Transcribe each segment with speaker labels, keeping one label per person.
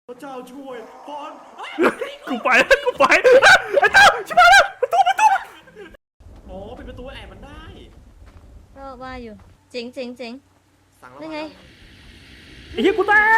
Speaker 1: พระเจ้าช่วยพร
Speaker 2: กูไปไอ้เจ้าชิบหายแล้วประตู
Speaker 1: อ๋อเป็นประตูแอบมันได้
Speaker 3: ก็ว่าอยู่เจ๋ง
Speaker 1: สั่ง
Speaker 3: นั่นไง
Speaker 2: ไอ้เหี้ยกูตาย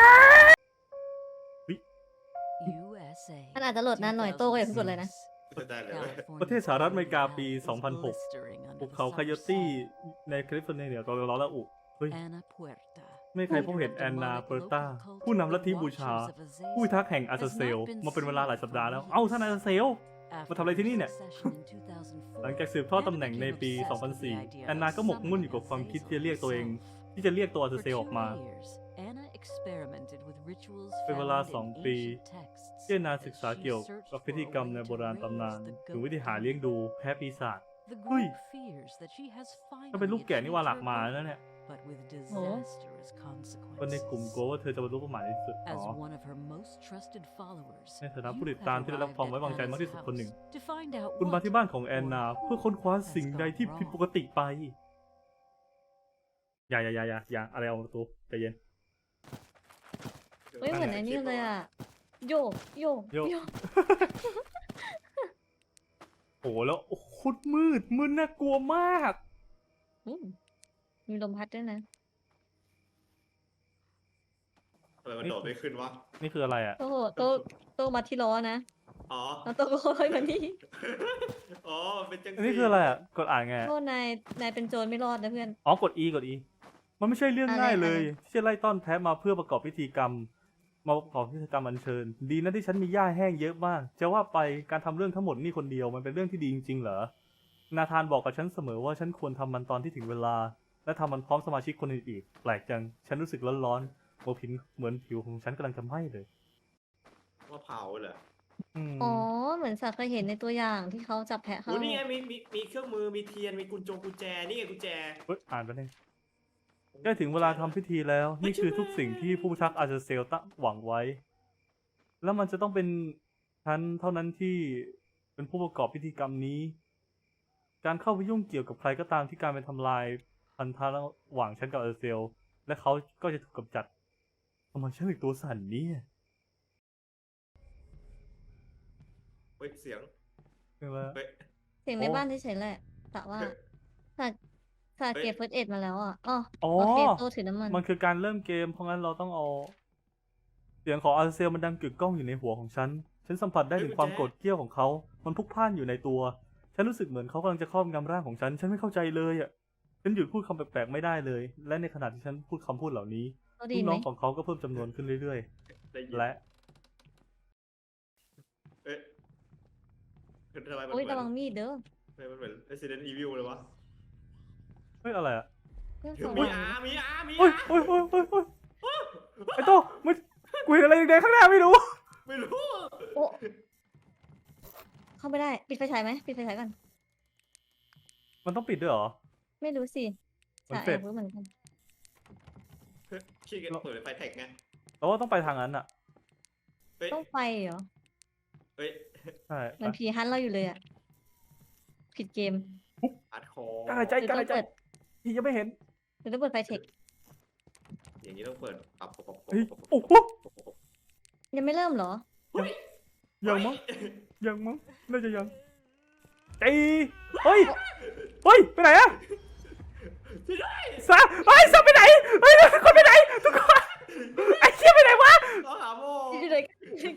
Speaker 3: มันอาจจะโหลดนานหน่อยโต้ก็อย่าเพิ่งกดเลยนะ
Speaker 1: ได้เลย
Speaker 2: ประเทศสหรัฐอเมริกาปี 2006 ภูเขาคายโตี้ในแคลิฟอร์เนียเหนือตอนร้อนและอุเฮ้ยไม่ใครพบเห็นแอนนาเปอร์ตาผู้นำลัทธิบูชา ผู้พิทักษ์แห่งอาซาเซลมาเป็นเวลาหลายสัปดาห์แล้ว เอ้าท่านอาซาเซลมาทำอะไรที่นี่เนี่ย หลังจากสืบทอดตำแหน่งในปี 2004 แอนนาก็หมกมุ่นอยู่กับความคิดที่จะเรียกตัวอาซาเซลออกมาเป็นเวลา 2 ปีที่แอนนาศึกษาเกี่ยวกับพิธีกรรมในโบราณตำนานถึงวิธีหาเลี้ยงดูแพ้ปีศาจเฮ้ยถ้าเป็นลูกแก่นี่ว่าหลักมาแล้วเนี่ย
Speaker 3: โอ้
Speaker 2: คนในกลุ่มกลัวว่าเธอจะบรรลุเป้าหมายที่สุดอ๋อในฐานะผู้ติดตามที่ได้รับความไว้วางใจมากที่สุดคนหนึ่งคุณมาที่บ้านของแอนนาเพื่อค้นคว้าสิ่งใดที่ผิดปกติไปอย่าอะไรเอาประตูใจเย็น
Speaker 3: เฮ้ยเหมือนไอ้นี่เลยอ่ะโยก
Speaker 2: โอ้แล้วโคตรมืดน่ากลัวมาก
Speaker 3: อืมมีลมพัดด้วยนะ
Speaker 1: อะไรมันโดดไม่ขึ้นวะ
Speaker 2: นี่คืออะไรอ่ะ
Speaker 3: โโต้มาที่ล้อนะ
Speaker 1: อ๋อ
Speaker 3: แล้วโต้ก็ค่อยมานี่
Speaker 1: อ๋อเป็นจัง
Speaker 2: อันนี้คืออะไรอ่ะกดอ่านไง
Speaker 3: โทษนายเป็นโจรไม่รอดนะเพื่อน
Speaker 2: อ๋อกด E มันไม่ใช่เรื่องง่ายเลย
Speaker 3: อะไร
Speaker 2: ที่จะไล่ต้อนแพะมาเพื่อประกอบพิธีกรรมอัญเชิญดีนะที่ฉันมีหญ้าแห้งเยอะมากจะว่าไปการทำเรื่องทั้งหมดนี่คนเดียวมันเป็นเรื่องที่ดีจริงๆเหรอนาธานบอกกับฉันเสมอว่าฉันควรทำมันตอนที่ถึงเวลาและทำมันพร้อมสมาชิกคนอื่นอีกแปลกจังฉันรู้สึกร้อนๆเหมือนผิวของฉันกำลังจะไหม้เลย
Speaker 1: ว่าเผาเหรอ
Speaker 3: อ๋อเหมือนสักเคยเห็นในตัวอย่างที่เขาจับแพะ
Speaker 1: โอ้
Speaker 3: เข้า
Speaker 1: นี่ไงมีเครื่องมือมีเทียนมีกุญแจนี่ไงกุญแจ
Speaker 2: เฮ้ยอ่านไปเลยใกล้ถึงเวลาทำพิธีแล้วนี่คือทุกสิ่งที่ผู้พิทักษ์อาซาเซลตั้งหวังไว้ แล้วมันจะต้องเป็นฉันเท่านั้นที่เป็นผู้ประกอบพิธีกรรมนี้ การเข้าไปยุ่งเกี่ยวกับใครก็ตามที่การไปทำลายพันธะระหว่างฉันกับอาซาเซลและเขาก็จะถูกกำจัดทำไมฉันถึงตัวสั่นเนี่ย
Speaker 1: เฮ้ยเสียง
Speaker 2: ใช่ไหม
Speaker 1: เฮ้ย
Speaker 3: เสียงในบ้านเฉยๆแหละแต่ว่าสาเก็บเฟิร์สเอ็ดมาแล้วอ่ะอ๋อ
Speaker 2: อ๋อ
Speaker 3: โอเคโต้ถือน้ำมัน
Speaker 2: มันคือการเริ่มเกมเพราะงั้นเราต้องเอาเสียงของอาซาเซลมันดังกึกก้องอยู่ในหัวของฉันสัมผัสได้ถึงความโกรธเกรี้ยวของเขามันพลุกพล่านอยู่ในตัวฉันรู้สึกเหมือนเขากำลังจะครอบงำร่างของฉันไม่เข้าใจเลยอ่ะฉันหยุดพูดคำแปลกๆไม่ได้เลย และในขณะที่ฉันพูดคำพูดเหล่านี้
Speaker 3: ก็
Speaker 2: ลู
Speaker 3: ดี
Speaker 2: ก
Speaker 3: ไหม
Speaker 2: น้องของเขาก็เพิ่มจำนวนขึ้นเรื่อย
Speaker 1: ได้ยิน
Speaker 2: ๆ และ
Speaker 1: เอ๊ะทำไมมัน
Speaker 3: โอ้ย
Speaker 1: เหมื
Speaker 3: ระวั
Speaker 1: อน
Speaker 3: งมีดเด้อ
Speaker 1: ทำไมมันเหมือน Resident Evil เลยวะ
Speaker 2: เฮ้ยอะไรอ่ะ
Speaker 3: เครื่องสอง
Speaker 1: มี
Speaker 3: หลัง
Speaker 1: มีอา
Speaker 2: โอ้ยไอ้โต้มันกูเห็นอะไรแดงๆข้างหน้าไม่รู้
Speaker 1: ไม่รู้
Speaker 3: โอ้เข้าไม่ได้ปิดไฟฉายไหมปิดไฟฉายก่อน
Speaker 2: มันต้องปิดด้วยเหรอ
Speaker 3: ไม่รู้สิ
Speaker 2: มัน
Speaker 3: จะ
Speaker 2: เสร็
Speaker 3: แอ
Speaker 2: จ
Speaker 3: บรู้เหมือนกัน
Speaker 1: ขี้เกียจเปิดไฟแท็กไง
Speaker 2: เราว่าต้องไปทางนั้นอ่ะ
Speaker 1: เฮ้ย
Speaker 3: ต้องไปเหรอ
Speaker 1: เฮ้ย
Speaker 2: ใช่
Speaker 3: เหมันผีฮันต์เราอยู่เลยอ่ะผิดเกม
Speaker 1: อัดคอก
Speaker 2: ล้าหายใจ
Speaker 3: หรือก
Speaker 2: ล้า
Speaker 3: ต้อ
Speaker 2: หาง ยใจ
Speaker 3: เปิด
Speaker 2: พี่ยังไม่เห็น
Speaker 3: หรือต้องเปิดไฟเทค
Speaker 1: อย่างนี้ต้องเปิดปรับ
Speaker 2: เฮ้ยโอ้โห
Speaker 3: ยังไม่เริ่มเหรอ
Speaker 2: ยังมั้งน่าจะยังตีเฮ้ยไปไหนอะซาซาไปไหนเฮ้ยทุกคนไปไหนทุกคนไอ้เชี่ยไปไหนวะ
Speaker 1: ต้องหาโม
Speaker 3: อยู่ไหนกัน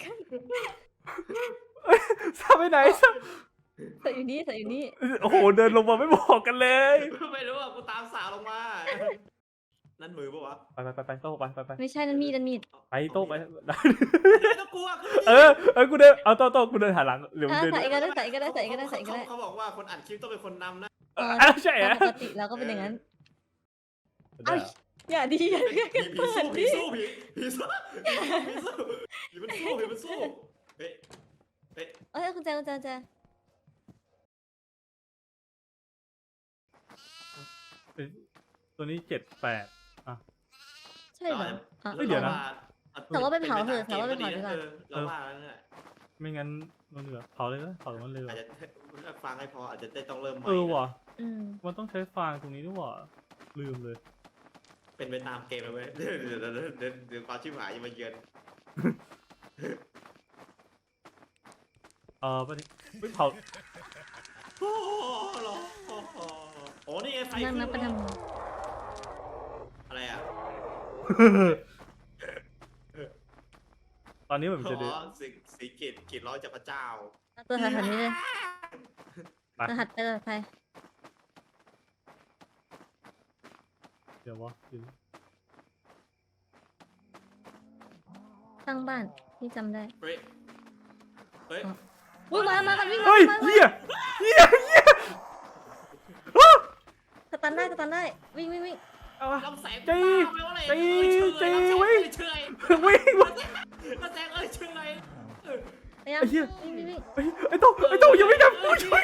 Speaker 2: ซาไปไหนซา
Speaker 3: ใส่อยู่นี่ใส่อยู่นี่
Speaker 2: โอ้โหเดินลงมาไม่บอกกันเลย
Speaker 1: ไม่รู้อ่ะกูตามสาวลงมา นั่นมือปะวะ
Speaker 2: ไปโต้ไป
Speaker 3: ไม่ใช่นั่นมีด
Speaker 2: ไปโต้ไป
Speaker 1: ไม่ต้องกลัว
Speaker 2: เออกูเดินเอาโต้กูเดินหาหลังเดี๋ยว
Speaker 3: อ่ะ
Speaker 2: เดิน
Speaker 3: ใส่ก็ได้ใส่ก็ได้ใส่ก็ได้ใส่ก็ได้
Speaker 1: เขาบอกว่าคนอัดคลิปต้องเป็นคนนำนะ
Speaker 2: ใช่เหรอ
Speaker 3: ปกติเราก็เป็นอย่างนั้น เอ้าอย่าดีอย่าดีกัน
Speaker 1: ผี
Speaker 3: เปิดดิ
Speaker 1: สู้ผีสู้ผีมันสู้เฮ้ย
Speaker 3: เอ้ยคุณแจ
Speaker 2: ตัวนี้7-8อ่ะ
Speaker 3: ใช่เหรออ่ะ
Speaker 2: เฮ้ยเดี๋ยวนะ
Speaker 3: แต่ว่าไปเผาเถอะแต่ว่าไปเผาดีกว่า
Speaker 1: เราว่าแล้วเนี่ย
Speaker 2: ไม่งั้นมันเหลือเผาเลยนะเผามันเลย
Speaker 1: อาจจะฟังให้พออาจจะได้ต้องเริ่มใหม่
Speaker 2: ว่ะ
Speaker 3: อืม
Speaker 2: มันต้องใช้ฟางตรงนี้ด้วยว่ะลืมเลย
Speaker 1: เป็นไปตามเกมเลยเว้ยเดี๋ยวความชิบหายจะมาเยือน
Speaker 2: ไม่เผา
Speaker 1: โอ้โหเหรอโอ้นี่ไงไฟ
Speaker 3: นั่งนับประ
Speaker 1: ขึ้
Speaker 3: ด
Speaker 1: อะไรอ่ะ
Speaker 2: ตอนนี้เหมือน
Speaker 1: อ๋
Speaker 2: จะเดิน
Speaker 1: อสีกีดร้อยจากพระเจ้า
Speaker 3: ำตัวถัดนี้เลย
Speaker 2: ไป
Speaker 3: รหัสไปเลยไป
Speaker 2: เดี๋ยววะ
Speaker 3: ตั้งบ้านที่จำได้
Speaker 1: เฮ้ย
Speaker 3: วิ่งมากันวิ่ง
Speaker 2: เฮ้ย
Speaker 3: มา
Speaker 2: เหี้ย
Speaker 3: สตันได้วิ่ง
Speaker 2: เอาวะ
Speaker 1: ลำแสง
Speaker 2: จี
Speaker 1: ตาไปว่าอะไร
Speaker 2: จี
Speaker 1: เอ้ย
Speaker 2: จี
Speaker 1: เชื่อ
Speaker 2: วิ่ง
Speaker 1: เชื่อ
Speaker 2: วิ่ง
Speaker 1: ลำแสงเอ้ยเชื่ออะไร
Speaker 3: พยายาม
Speaker 2: ไอ้เหี้ย
Speaker 3: วิ่ง
Speaker 2: ไอ้โตยังไม่ดับกูช่วย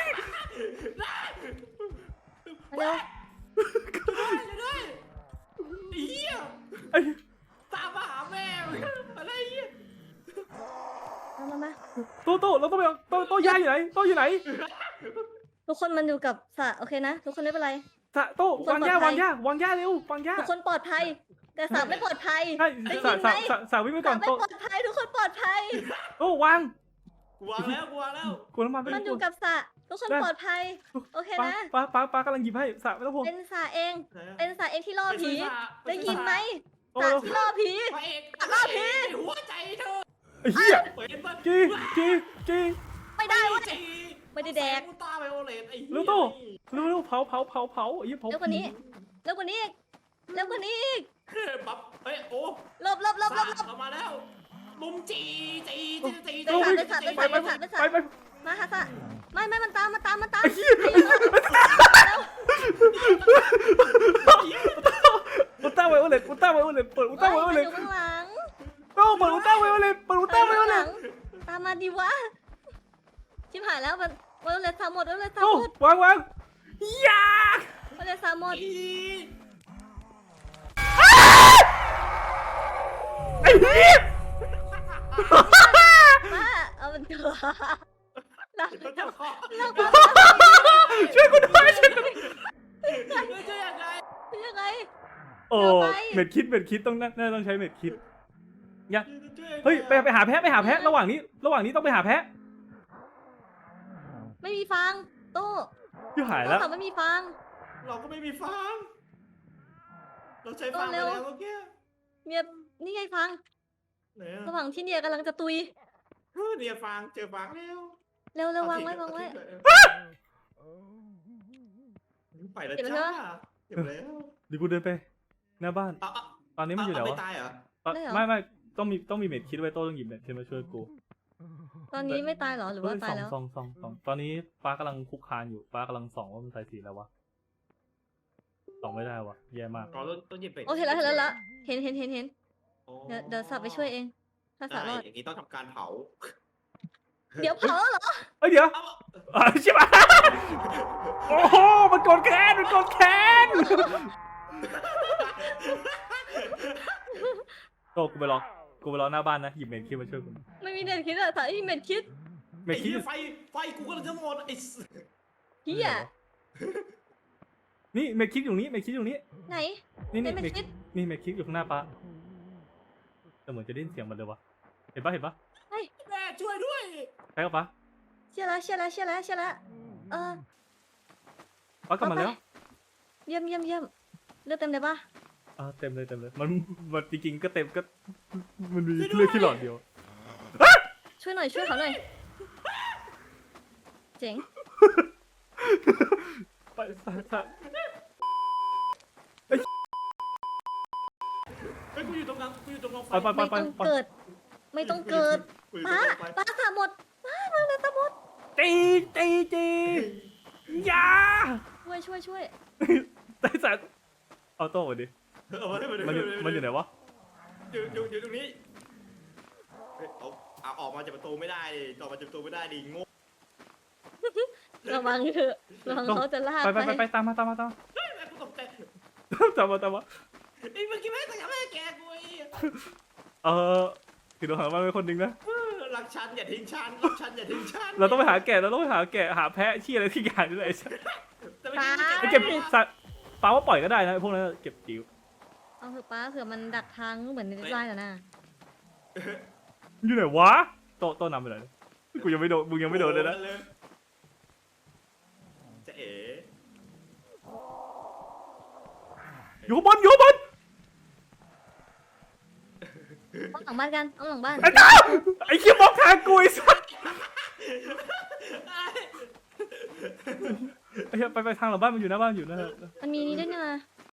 Speaker 3: มาเร็ว
Speaker 1: ด้วยเหี้ย
Speaker 2: ไอ้
Speaker 1: ตามมาหาแม่อะไรเหี้ย
Speaker 3: มา
Speaker 2: โตเราต้องไปเอาโตยายอยู่ไหนโตอยู่ไหน
Speaker 3: ทุกคนมันอยู่กับสระโอเคนะทุกคนไม่เป็นไร
Speaker 2: โตวางย่าวางย่เร็ววางย่า
Speaker 3: ทุกคนปลอดภัย แต่สระไม่ปลอดภัย
Speaker 2: ใช่
Speaker 3: ได้ยินไหม
Speaker 2: สาวิ่งไป
Speaker 3: ส
Speaker 2: ก่
Speaker 3: ระ
Speaker 2: อน
Speaker 3: ไม่
Speaker 2: โต
Speaker 3: ปลอดภัยทุกคนปลอดภัย
Speaker 2: โตวาง
Speaker 1: กูวางแล้ว
Speaker 2: กูน้ำมันไป
Speaker 3: มันอยู่กับสระทุกคนปลอดภัย โอเคนะ
Speaker 2: ป้ากำลังหยิบให้สาไม่ต้องห่วง
Speaker 3: เป็นสระเอง เป็นสระเองที่ล่อผี
Speaker 1: ไป
Speaker 3: ได้ยินไหม
Speaker 2: โอ้
Speaker 3: สระที่ล่อผี
Speaker 1: พระเอก
Speaker 3: ล่อผี
Speaker 1: หัวใจเธอ
Speaker 2: ไอ้เหี้ย
Speaker 1: เห็นปะ
Speaker 2: จี
Speaker 3: ไม่ได้เว้ย
Speaker 1: จี
Speaker 3: ไม่ได้แดก
Speaker 1: กูตาไปโอเลตไอ้
Speaker 2: เร็วโตเร็วเผาไอ้เหี้ยเผา
Speaker 3: เร็วกว่านี้เร็วกว่านี้อีกเร็วกว่านี้อีก
Speaker 1: ปั๊บเฮ้ยโอ้
Speaker 3: หลบ
Speaker 1: เอามาแล้วลุมจี
Speaker 2: ไป
Speaker 3: มาค่ะสระไม่มันตาม
Speaker 2: ไอ้เหี้ยอุลตร้าไวโอเลตเปิดอุลตร้าไวโอเลต
Speaker 3: อยู่ข้างหลัง
Speaker 2: โตเปิดอุลตร้าไวโอเลต
Speaker 3: ตามมาดิวะชิบหายแล้วมันวันเลยสามหมด
Speaker 2: โตวางยา
Speaker 3: วันเลยสามหมด
Speaker 2: ไอ้เหี้ย
Speaker 3: มาเอามันเถอะลาก
Speaker 1: เจ้าข้อ
Speaker 2: ช่วยกูด้วย
Speaker 1: จะยังไง
Speaker 3: ยังไง
Speaker 2: โอ้เม็ดคิดต้องน่าต้องใช้เม็ดคิดเฮ้ยไปหาแพะระหว่างนี้ต้องไปหาแพะ
Speaker 3: ไม่มีฟางโต้
Speaker 2: อยู่หายแล้ว
Speaker 3: ไม่มีฟาง
Speaker 1: เราก็ไม่มีฟางเราใช้ฟางไปแล้วเมื่อกี้
Speaker 3: เมียนี่ไงฟาง
Speaker 1: ไหน
Speaker 3: ระหว่างที่เนี่ยกำลังจะตุย
Speaker 1: เนี่ยฟางเจอฟางแล้ว
Speaker 3: เร็ววางไว้
Speaker 1: ไปแล้วจ้าเก็บแล้ว
Speaker 2: เดี๋ยวกูเดินไปหน้าบ้าน ตอนนี้มันอยู่ไหน
Speaker 1: ไม่
Speaker 2: วะ
Speaker 1: ตายเหรอ
Speaker 2: ไม่ต้องมีเม็ดคิดไว้โต้ต้องหยิบเม็ดคิดมาช่วยกู
Speaker 3: ตอนนี้ไม่ตายหรอหรือว่าตายแล้ว
Speaker 2: ส่องตอนนี้ป้ากำลังคุกคานอยู่ป้ากำลังส่องว่ามันใส่สีแล้ววะส่องไม่ได้วะแย่มาก
Speaker 1: เราต้องหยิบเป็ด
Speaker 3: โอเคแล้วเห็นเดี๋ยวสับไปช่วยเอง ถ้าสับรอด
Speaker 1: อย่างนี้ต้องทำการเผา
Speaker 3: เดี๋ยวเผาเหรอ
Speaker 2: เอ้ยเดี๋ยวใช่ปะโอ้โหมันกดแค้นโตกูไปรอหน้าบ้านนะหยิบเม็ดคิดมาช่วยกู
Speaker 3: ไม่มีเน็ตคิดอะสายที่เน็ตคิด
Speaker 2: เม็ดคิด
Speaker 1: ไฟกูก็เลยจะหมดไอ้
Speaker 3: เฮีย
Speaker 2: นี่เม็ดคิดอยู่นี้
Speaker 3: ไหน
Speaker 2: นี่
Speaker 3: เม็ดคิด
Speaker 2: นี่เม็ดคิดอยู่ข้างหน้าป้าแต่เหมือนจะได้ยินเสียงมันเลยวะเห็นปะ
Speaker 1: แม่ช่วยด้วย
Speaker 2: ใช่ปะป้า
Speaker 3: เชื่อแล้ว
Speaker 2: ป้ากลับมาแล้ว
Speaker 3: เยี่ยมเลือดเต็มเลยปะ
Speaker 2: เต็มเลยมันจริงๆก็เต็มก็มันมีเลือดที่หลอดเดียว
Speaker 3: ช่วยเขาหน่อยเจ๋ง
Speaker 2: ไป
Speaker 1: กูอยู่ตรงกลางไฟ
Speaker 3: ไม่ต้องเกิดป้าสามหมดมาเลยสามหมด
Speaker 2: ตียา
Speaker 3: ช่วย
Speaker 2: แต่สัตว์เอาโต้มาดิ มันอยู่ไหนวะ
Speaker 1: อยู่ตรงนี้เอาออกมาจากประตูไม่ได้ดิออกมาจากประตูไม่ได้ดิงง
Speaker 3: ระวังเถอะระวังเขาจะลาก
Speaker 2: ไปตามมา
Speaker 1: เฮ้ยกูตกใจ
Speaker 2: ตามมา
Speaker 1: ไอ้เมื่อกี้แม่แต่แม่แกกูไอ้
Speaker 2: คือเราหาบ้านไว้คนหนึ่งนะ
Speaker 1: รักฉันอย่าทิ้งฉันรักฉันอย่าทิ้งฉัน
Speaker 2: เราต้องไปหาแกะหาแพะชี้อะไรที่อย่างนี่แหละ
Speaker 1: แต่เมื่อกี้
Speaker 2: ไอ้เก็บสัตว์ปลาว่าปล่อยก็ได้นะพวกนั้นเก็บจิ๋ว
Speaker 3: เอาเถอะป้าเผื่อมันดักทางเหมือนในไลน์แล้วนะ
Speaker 2: อยู่ไหนวะโตนำไปไหนกูยังไม่โดนมึงยังไม่โดนเลยนะ
Speaker 1: จะเอ๋
Speaker 2: อยู่ข้างบนอยู่ข้างบน
Speaker 3: เอาหลังบ้านกันเอาหลังบ้าน
Speaker 2: ไอ้เจ้าไอ้คิวมองทางกูไอ้สัสไอ้เหี้ยไปทางหลังบ้านมันอยู่หน้าบ้านอยู่นะ
Speaker 3: มันมีนี่ด้วยนะ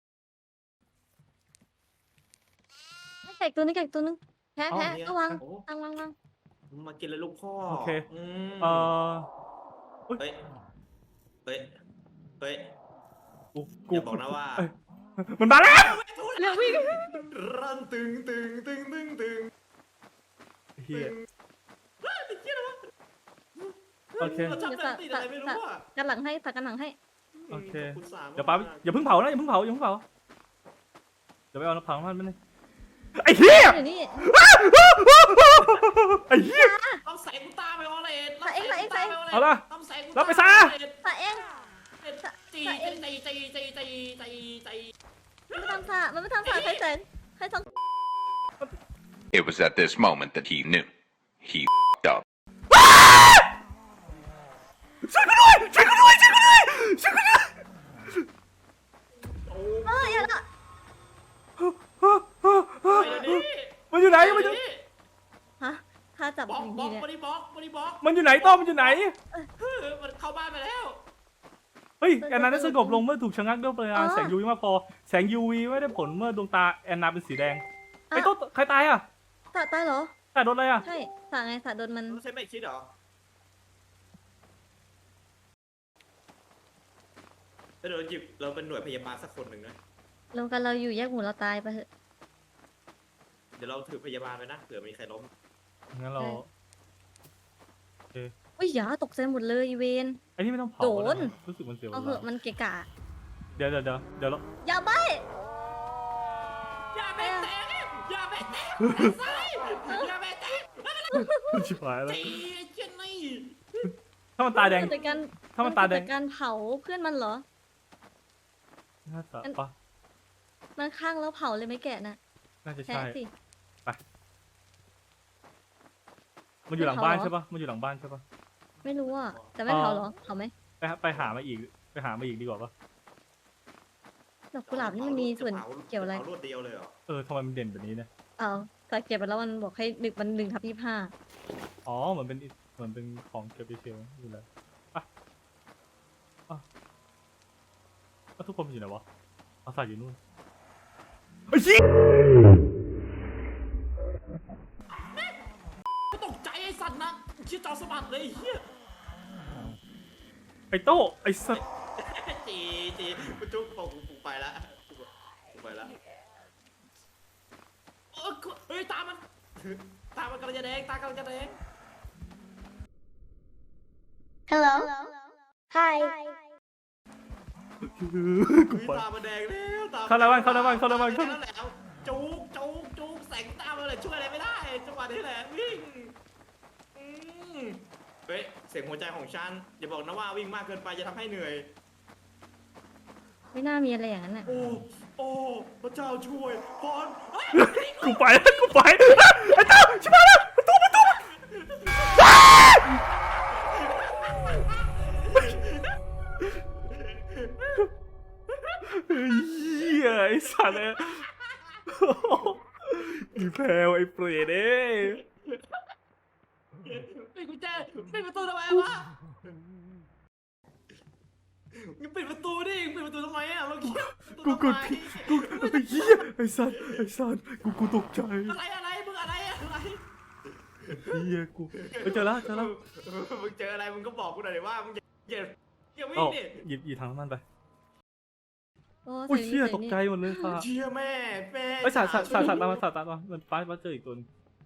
Speaker 3: ให้แขกตัวนึงแขกตัวนึงแพ้ก็วาง
Speaker 1: โอ้
Speaker 3: วาง
Speaker 1: มากินเลยลูกพ่อ
Speaker 2: โอเค
Speaker 1: ม
Speaker 2: เอ่อ
Speaker 1: เฮ้ยเฮ้ยเฮ้ย
Speaker 2: กู
Speaker 1: อย่าบอกนะว่า
Speaker 2: เอ้ยมันมาแล้ว
Speaker 3: เร็ววิ่ง
Speaker 1: รันตึง
Speaker 2: เฮีย
Speaker 1: โอ
Speaker 2: โอ
Speaker 1: เค
Speaker 2: เค
Speaker 1: เราชอบแบบติดอะไรไม่รู้อ่ะ
Speaker 3: กันหลังให้ตักกันหลังให้
Speaker 2: โอเค
Speaker 1: ขบคุณสาม
Speaker 2: เดี๋ยวป้าอย่าเพิ่งเผานะอย่าเพิ่งเผาเดี๋ยวไปเอาน้ำผังมันไม่ได้ไอ้เหี้ย
Speaker 3: เดี๋ยวนี้
Speaker 2: ไอ้เหี้ย
Speaker 1: ต้องใส่กูตาไปออเลน
Speaker 2: เอาละ
Speaker 1: ต้องใส่กู
Speaker 2: รับไปซะ
Speaker 3: สะเอง
Speaker 1: ตี
Speaker 3: มันไม่ทำสะมันไม่ทำสะใครแสนใครทำ
Speaker 4: It was at this moment that he knew. He f***ed up.
Speaker 2: ช่วยกูด้วยช่วยกูด้วยช่วยกูด้วยช่วยกูด้วย
Speaker 3: อย่าละ
Speaker 2: มันอยู่ไหนมันอยู่
Speaker 3: ฮะถ้าจับ
Speaker 1: บอก
Speaker 3: อย่าง
Speaker 1: บอ
Speaker 3: นี้
Speaker 1: ก
Speaker 3: เนี่ย
Speaker 1: บอก
Speaker 2: มันอยู่ไหนต้อมมันอยู่ไหน
Speaker 1: มันเข้าบ้านไปแล้ว
Speaker 2: เฮ้ยแอนนาได้สงบลงเมื่อถูกชะงักด้วยพลังแสง UV มากพอแสง UV ไม่ได้ผลเมื่อดวงตาแอนนาเป็นสีแดงไอ้ต้นใครตายอ่ะ
Speaker 3: สะตายเหรอ
Speaker 2: แต่โดนอะไรอ่ะ
Speaker 3: ใช่สะไงสะโดนมัน
Speaker 1: ต้องใช้ไม่คิดเหรอถ้าเราหยิบเราเป็นหน่วยพยาบาลสักคนหนึ่งนะ
Speaker 3: รวมกันเราอยู่แยกหมู่เราตายไปเถอะ
Speaker 1: เดี๋ยวเราถือพยาบาลไปนะเผื่อมีใครล้ม
Speaker 2: งั้นเรา
Speaker 3: อุ้ยอย่าตกใจหมดเลยอีเวน
Speaker 2: ไอ้นี่ไม่ต้องเผา
Speaker 3: โดน
Speaker 2: รู้สึกมันเสียว
Speaker 3: เอาเหอะมันเกะกะ
Speaker 2: เดี๋ยวเรา
Speaker 3: อย่าใบ
Speaker 1: อย่าไปแตะอย่าไปแตะอย่าไปแตะ
Speaker 2: ชิบหายแล้ว
Speaker 1: ตีเจนนี่
Speaker 2: ถ้ามันตาแดง
Speaker 3: แต่การ
Speaker 2: ถ้ามันตาแดง
Speaker 3: การเผาเพื่อนมันเหรอ
Speaker 2: น่าจะปะ
Speaker 3: มันข้างแล้วเผาเลยไม่แกะนะ
Speaker 2: น่าจะ
Speaker 3: แพ้
Speaker 2: ใช่
Speaker 3: สิ
Speaker 2: มันอยู่หลังบ้านใช่ปะมันอยู่หลังบ้านใช่ปะ
Speaker 3: ไม่รู้อ่ะแต่ไม่เผาเหรอเผาไหม
Speaker 2: ไปหามาอีกดีกว่าปะ
Speaker 3: ดอกกุหลาบนี่มันมีส่วนเกี่ยวอะไร
Speaker 1: รวดเดียวเลยเหรอ
Speaker 2: ทำไมมันเด่นแบบนี้เนี่ย
Speaker 3: เอาแต่เก็บไปแล้วมันบอกให้1/25
Speaker 2: อ๋อเหมือนเป็นของเก็บไปเชลอยู่แล้วทุกคนอยู่ไหนวะเอาใส่อยู่นู่นไอ้ชี้
Speaker 1: ตกใจไอ้สัตว์นะชื่อจอสะบัดเลยเฮีย
Speaker 2: ไอ้โต้ไอ้สัตว์
Speaker 1: ตีกูจุ๊บบอกกูไปละกูไปละเฮ้ยตามันกำลังจะแดงตากำลังจะแดง
Speaker 5: Hello. Hi.
Speaker 2: กูไป
Speaker 1: ตามันแดงแล้วตา
Speaker 2: เข้าในบ้าน
Speaker 1: แล้วจุกแสงตามันเลยช่วยอะไรไม่ได้จังหวะนี้แหละวิ่งเฮ้ยเสียงหัวใจของฉันอย่าบอกนะว่าวิ่งมากเกินไปจะทำให้เหนื่อย
Speaker 3: ไม่น่ามีอะไรอย่างนั้นอ่ะ
Speaker 1: โอ้พระเจ้าช่วยพร
Speaker 2: กูไปไอ้โต้ชิบหายแล้วประตู เหี้ยไอ้สัตว์เนี่ยอีแพลวไอ้เปรตเอ้ย
Speaker 1: ปิดกุญแจปิดประตูทำไมวะมึงปิดประตูดิปิดประตูทำไมอ่ะเมื่อกี้
Speaker 2: กูกดผิดไอ้เหี้ยไอ้สัตว์กูตกใจ
Speaker 1: อะไรมึงอะไร
Speaker 2: เหี้ยกูเจอแล้ว
Speaker 1: มึงเจออะไรมึงก็บอกกูหน่อยดิว่ามึงอย่าวิ่
Speaker 2: เอ้าง
Speaker 1: ดิ
Speaker 2: หยิบถังน้ำมันไป
Speaker 3: โอ้
Speaker 2: อุ้ย
Speaker 3: ใส่
Speaker 2: เชี่ย
Speaker 3: นี่
Speaker 2: ตกใจหมดเลยค่ะ
Speaker 1: เชี่ยแม่
Speaker 2: ไอ้สัตว์ตามมามันป้าเจออีกตัวนึง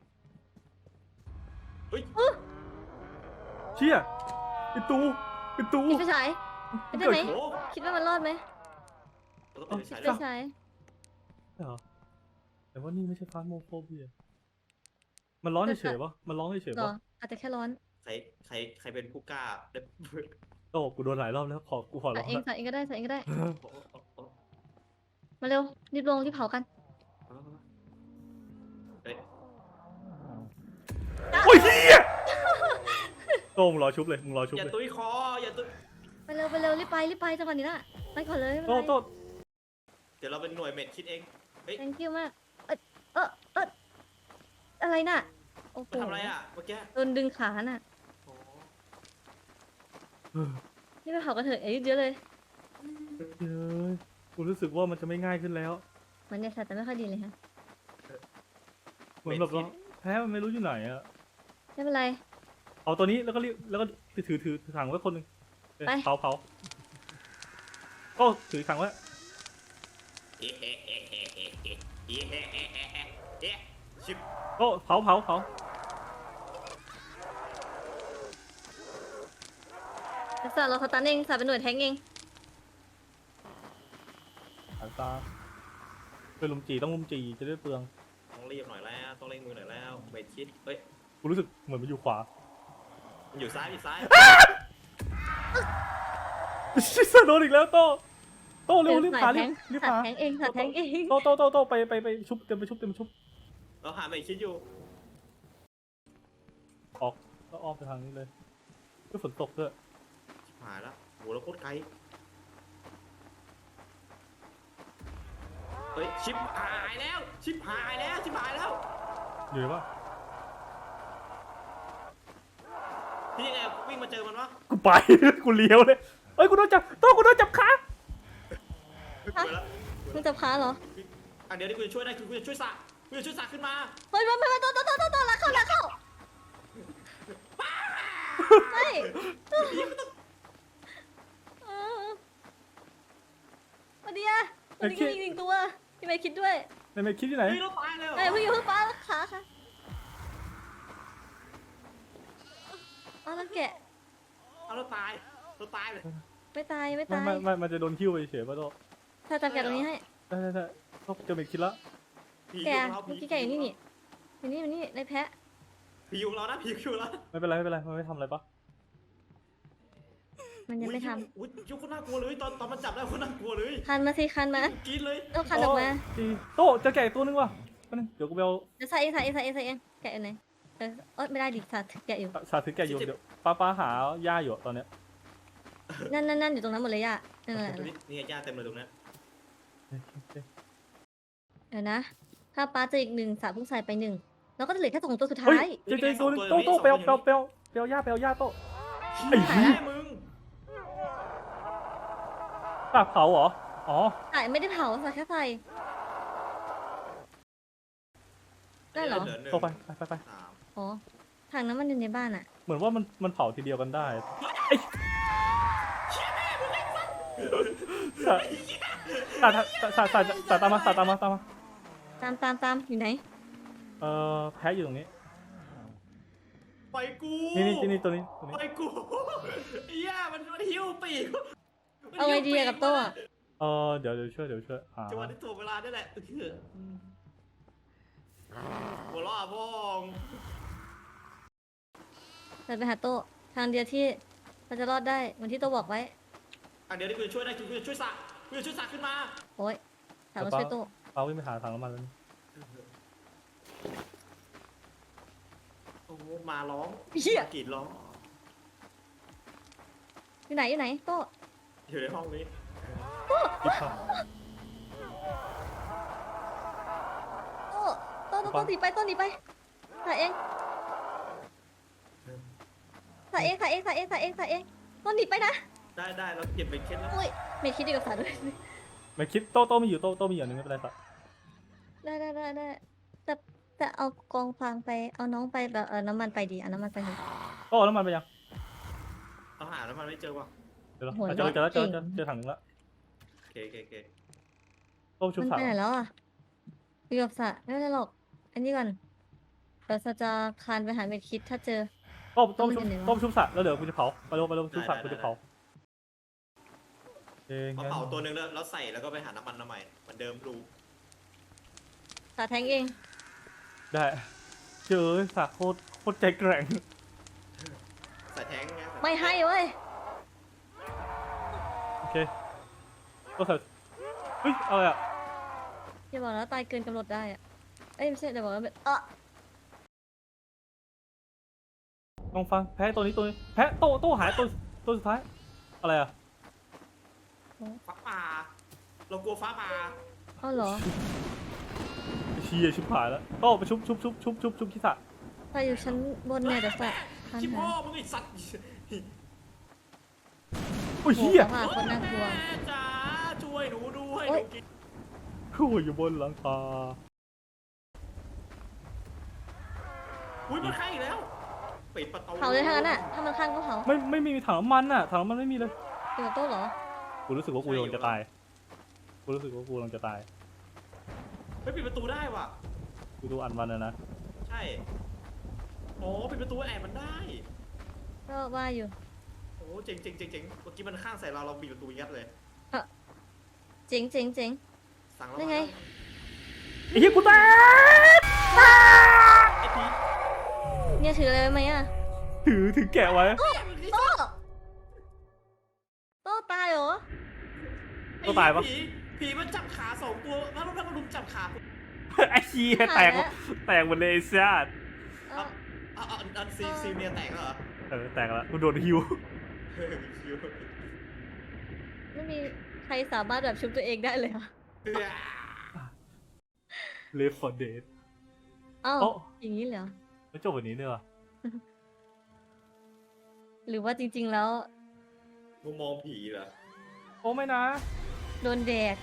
Speaker 1: เฮ้ย
Speaker 2: เชี่ยไอ้ตู
Speaker 3: ปิดไฟฉายปิดได้ไหม
Speaker 1: โอ้
Speaker 3: คิดว่ามันรอดไหม
Speaker 1: เราต้องปิดไฟ
Speaker 3: ไฟ
Speaker 1: ฉาย
Speaker 3: ฉาย
Speaker 2: เหรอแต่ว่านี่ไม่ใช่ฟาสโมโฟเบียมันร้อนเฉยๆปะมันร้อนเฉย
Speaker 3: หร
Speaker 2: ๆ
Speaker 3: อ
Speaker 2: ปะ
Speaker 3: อาจจะแค่ร้อน
Speaker 1: ใครเป็นผู้กล้าได้
Speaker 2: โต้กูโดนหลายรอบแล้วกูขอร้
Speaker 3: ใส่
Speaker 2: อง
Speaker 3: เอง
Speaker 2: ละ
Speaker 3: ใส่เองก็ได้ใส่เองก็ได้ มาเร็วรีบลงรีบเผากัน
Speaker 1: เฮ้ย
Speaker 2: โต้มึงรอชุบเลยมึงรอชุบ
Speaker 1: อย่า
Speaker 2: เลย
Speaker 1: ตุ้ยคออย่าตุ้ย
Speaker 3: ไปเร็วไปเร็วรีบไปจังหวะนี้ละไปก่อนเลยไม่
Speaker 2: โต้
Speaker 3: เป็นไร
Speaker 2: โต้
Speaker 1: เดี๋ยวเราเป็นหน่วยเม็ดคิดเองเฮ้ย
Speaker 3: thank you มากเอออะไรน่ะโอ้โห
Speaker 1: มาทำอะไรอ่ะเมื่อกี้
Speaker 3: โดนดึงขาน่ะ
Speaker 1: โอ้
Speaker 3: นี่ไปเผากระเถอะเยอะเลย
Speaker 2: เฮ้ยกูรู้สึกว่ามันจะไม่ง่ายขึ้นแล้ว
Speaker 3: เหมือนเนี่ยสัตว์แต่ไม่ค่อยดีเลยฮะ
Speaker 2: เหมือนแบบว่าแพ้มันไม่รู้อยู่ไหนอะ
Speaker 3: ไม่เป็นไร
Speaker 2: เอาตัวนี้แล้วก็รีบแล้วก็ถือถังไว้คนหนึ่ง
Speaker 3: ไป
Speaker 2: เผาก็ถือถังไว้
Speaker 1: เฮ้เฮ้เฮ้เฮ้เฮ้เฮ้เฮ้เฮ้เฮ้เฮ้เฮ้ชิบ
Speaker 2: ก็เผา
Speaker 3: สัตว์เราเขาตันเองสัตว์เป็นหน่วยแทงเอง
Speaker 2: สายตาเป็นลุมจีต้องลุมจีจะได้เปลือง
Speaker 1: ต้องรีบหน่อยแล้วต้องเร่งมือหน่อยแล้วเม็ดคิดเฮ้ย
Speaker 2: กูรู้สึกเหมือนมันอยู่ขวา
Speaker 1: มันอยู่ซ้ายอยู่ซ้าย
Speaker 2: ชิสโดนอีกแล้วโต้เร็วรีบหารีบ
Speaker 3: สัต
Speaker 2: หา
Speaker 3: ว์แทงเองสัตว์แทงเอง
Speaker 2: โต้ไปชุบเต็มไปชุบ
Speaker 1: เราหาเม็ดคิดอยู่
Speaker 2: ออกแล้วอ้อมไปทางนี้เลยก็ฝนตกด้วย
Speaker 1: หายแล้วโหเราโคตรไกลเฮ้ยชิบหายแล้วชิบหายแล้วชิบหายแล้ว
Speaker 2: อยู่ไหนวะ
Speaker 1: พี่ยังไงวิ่งมาเจอมันวะ
Speaker 2: กูไป กูเลี้ยวเลยเอ้ยกูโดนจับกูโดนจับขา
Speaker 1: เฮ้ยเปิดแล้ว
Speaker 3: มึงจะพาเหรอ
Speaker 1: อ่ะเดี๋ยวนี้กูจะช่วยได้คือกูจะช่วยสระกูจะช่วยสระขึ้นมา
Speaker 3: เฮ้ยมาตัวลักเข้าไม่วันนี้วันนี้มีอีกหนึ่งตัวพี่ไม่คิดด้วย
Speaker 2: ในเมคิดที่ไหน
Speaker 1: เฮ้ยเราตายเลยเหรอ
Speaker 3: เฮ้ยเพิ่งป้าขาค่ะอ๋อแล้วแกะ
Speaker 1: เอาเราตายเราตายเลย
Speaker 3: ไม่ตาย
Speaker 2: มันจะโดนคิ้วไปเฉยป่ะโต้
Speaker 3: ถ้าจับแกะตรงนี้ให้
Speaker 2: ได้ต้องเจอเมคิดแล้ว
Speaker 1: ผี
Speaker 3: แก
Speaker 1: อยู่เรา
Speaker 3: เมื่อกี้แกะอยู่นี่นี่ในแพะ
Speaker 1: ผีอยู่เรานะผีอยู่เรา
Speaker 2: ไม่เป็นไรมันไม่ทำอะไรปะ
Speaker 3: มันยังไม่ท
Speaker 1: อุ้ยยุคคนน่ากลัวเลยตอนมันจับได้คนน่ากลัวเลย
Speaker 3: ำคันมาสิคันมา
Speaker 1: กินเลย
Speaker 3: ต้องคันออกมา
Speaker 2: ดีโต้เจอแกะตัวนึงว่ะเดี๋ยวกูไปเอา
Speaker 3: เดี๋ยวใส่เองแกะอยู่ไหนไม่ได้ดิสัตว์แกะอยู่
Speaker 2: สาธิตแกะอยู่เดี๋ยวป้าหาหญ้าอยู่ตอนเนี้ย
Speaker 3: นั่นอยู่ตรงนั้นหมดเลยย่านั่น
Speaker 1: นี่ยาเต็มเลยตรงนี้
Speaker 3: เดี๋ยวนะถ้าป้าเจออีกหนึ่งสาวเพิ่งใส่ไปหนึ่งแล้วก็จะเหลือแค่2ตัวสุดท้า
Speaker 2: เฮ้
Speaker 3: ย
Speaker 2: ยเจอตัวนึงโต้ไปเอาหญ้าโต้ ไอ้เหี้ย
Speaker 1: มึง
Speaker 2: ตากเผาเหรออ๋อ
Speaker 3: ใส่ไม่ได้เผาใส่แค่ใส่ได้เหรอ
Speaker 2: โต้ไป
Speaker 3: อ๋อถังน้ำมันอยู่ในบ้านอ่ะ
Speaker 2: เหมือนว่ามันเผาทีเดียวกันได้สาตามมา
Speaker 3: ตามอยู่ไหน
Speaker 2: แพ้อยู่ตรงนี้
Speaker 1: ไปกู
Speaker 2: นี่ตัวนี้
Speaker 1: ไปกูเหี้ยมันหิ้วปีก
Speaker 3: เอาไงดีอะกับโต้อะ
Speaker 2: เดี๋ยวช่วยหา
Speaker 1: จังหวะที่ถูกเวลาได้แหละหัวล้อบ้อง
Speaker 3: เดินไปหาโต้ทางเดียวที่เราจะรอดได้เหมือนที่โต้บอกไว้
Speaker 1: อ่ะเดี๋ยวนี้กูจะช่วยได้กูจะช่วยสระกูจะช่วยสระขึ้นมา
Speaker 3: โอ้ยถามว่าช่วยโต้
Speaker 2: ป้าวิ่งไปหาถังน้ำมันแล้ว
Speaker 1: โอ้มาร้องกรีดร้อง
Speaker 3: อยู่ไหนโต้
Speaker 1: อยู่ในห้องนี้
Speaker 2: รีบเข้า
Speaker 3: โต้หนีไปใส่เองโต้หนีไปนะ
Speaker 1: ได้เราเก็บเป็นเคล็ดแล้ว
Speaker 3: อุ้ยไม่คิดดีกับสาด้วย
Speaker 2: ไม่คิดโต้มีอยู่โต้มีอย่างนึงไม่เป็นไรสัก
Speaker 3: ได้แต่เอากองฟางไปเอาน้องไปแบบน้ำมันไปดีเอาน้ำมันไปเถอะ
Speaker 2: โต้แล้วมันไปยัง
Speaker 1: เอาหาแล้วมันไม่เจอว่ะ
Speaker 2: เดี๋ยว
Speaker 3: โหย
Speaker 2: เจอ
Speaker 3: เก่ง
Speaker 2: ถังนึงละ
Speaker 1: โอเค
Speaker 2: โต้ชุบ
Speaker 3: มัน
Speaker 2: สา
Speaker 3: ไปไหนแล้วอ่ะอยู่กับสระไม่เป็นไรหรอกอันนี้ก่อนเดี๋ยวจะคานไปหาเม็ดคิดถ้าเจอ
Speaker 2: ต้มชุบสระแล้วเดี๋ยวกูจะเผาไปเร็วชุบสระกูจะเผาเอง
Speaker 1: มาเผาตัวนึงแล้วใส่แล้วก็ไปหาน้ำมันใหม่เหมือนเดิมรู
Speaker 3: สระแทงเอง
Speaker 2: ได้เจอสระโคตรใจแกร่ง
Speaker 1: ใส่แท้งไง
Speaker 3: ไม่ให้เว้ย
Speaker 2: โอเคก็ใส่เฮ้ยอะไรอ่ะ
Speaker 3: อย่าบอกแล้วตายเกินกำหนดได้อะเอ้ยไม่ใช่แต่บอกว่าแบบ
Speaker 2: ต้องฟังแพ้ตัวนี้แพ้โต้หายตัวสุดท้ายอะไรอะ
Speaker 1: ฟ้าผ่าเรากลัวฟ้าผ่า
Speaker 3: อ้าวเหรอ
Speaker 2: เชียชิบหายแล้วโต้ไปชุบคิสะ
Speaker 3: ไปอยู่ชั้นบนเนี่ยเดี๋ยวสะคัน
Speaker 1: ชิบ
Speaker 3: หา
Speaker 1: พ่อมึงไอ้สัตว์
Speaker 2: โอ้ย
Speaker 3: โอ้
Speaker 2: เฮีย
Speaker 3: ค่ะคนน่ากลัว
Speaker 1: แม่จ๋าช่วยหนูด้วย
Speaker 3: โอ๊
Speaker 1: ห
Speaker 3: ย
Speaker 1: นูกิน
Speaker 2: คู่อยู่บนหลังคา
Speaker 1: อุ้ยมันข้างอีกแล้วปิดประตู
Speaker 3: เผาเลยทางนั้นอ่ะ ถ้ามันข้างก็เผา
Speaker 2: ไม่มีถังน้ำมันอะถังน้ำมันไม่มีเลย
Speaker 3: เดี๋ยวโต้เหรอ
Speaker 2: กูรู้สึกว่ากูกำลังจะตายกูรู้สึกว่ากูกำลังจะตาย
Speaker 1: ไม่ปิดประตูได้ว่ะ
Speaker 2: กูดูอันมันนะ
Speaker 1: ใช่โอ้ปิดประตูแอบมันได้
Speaker 3: ก็ว่าอยู่
Speaker 1: โอ้เจ๋งเมื่อกี้มันข้างใส่เราปิดประตูยัดเลย
Speaker 3: เจ๋ง
Speaker 1: สั่งเรา
Speaker 3: ได้ไง
Speaker 2: ไอ้เฮียกูแตก
Speaker 1: ไอ้พี
Speaker 3: เนี่ยถืออะไรไว้ไหมอ่ะ
Speaker 2: ถือแกะไว้
Speaker 3: โต้โต้ตายเหรอ
Speaker 2: ก็ตายปะ
Speaker 1: ผีมันจับขาสองตัวแล้วมันลุมจับขา
Speaker 2: ไอ้เฮียแตกหมดเลยไอ้สัส
Speaker 3: เอ้า
Speaker 1: อันซีเมียแตกเหรอ
Speaker 2: แตกแล้วกูโดนฮิว
Speaker 3: ไม่มีใครสามารถแบบชุบตัวเองได้เลยเหรอ
Speaker 2: เลฟฟอร์เดด
Speaker 3: อ้าว
Speaker 2: โอ้
Speaker 3: อย่างนี้เลยเหรอ
Speaker 2: แล้วจบวันนี้เนี่ยว่ะ
Speaker 3: หรือว่าจริง ๆ แล้ว
Speaker 1: มุมมองผีเหรอ
Speaker 2: โอ้ไม่นะ
Speaker 3: โดนแดก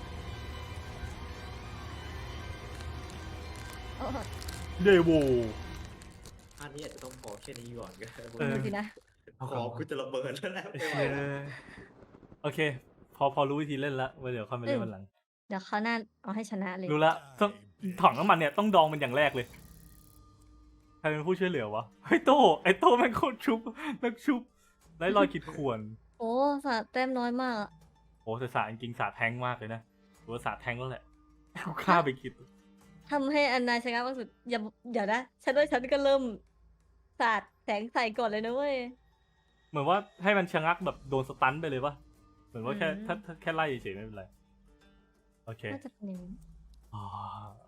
Speaker 3: โอ้
Speaker 2: เดโว
Speaker 1: อันนี้อาจจะต้องพอแค่นี้ก่อนก็ได้
Speaker 3: ดูสินะ
Speaker 1: ขอกูจะระเบิดแล้วแหละไม่ไหวแล้ว
Speaker 2: โอเค พอรู้วิธีเล่นละไว้เดี๋ยวค่อยมาเล่นวันหลัง
Speaker 3: เดี๋ยวเขาวหน้าเอาให้ชนะเลย
Speaker 2: รู้ละต้องถังน้ำมันเนี่ยต้องดองมันอย่างแรกเลย ใครเป็นผู้ช่วยเหลือวะไอ้โต้แม่งโคตรชุบนักชุบไร้รอยขีดข่วน
Speaker 3: โอ้สาดแต้มน้อยมากอะ
Speaker 2: โอ้แต่สาจริงๆสาแทงมากเลยนะหรือว่าสาแทงแล้วแหละเอาฆ่าไปคิด
Speaker 3: ทำให้อันนาชนะมากสุดอย่าเดี๋ยวนะฉันว่าฉันก็เริ่มสาดแสงใส่ก่อนเลยนะเว้ย
Speaker 2: เหมือนว่าให้มันชะงักแบบโดนสตันไปเลยปะเหมือนว่าแค่
Speaker 3: อืม
Speaker 2: ถ้าแค่ไล่เฉยๆไม่เป็นไร โอเค
Speaker 3: น่าจะเป็นอย่างนี้
Speaker 2: อ๋อ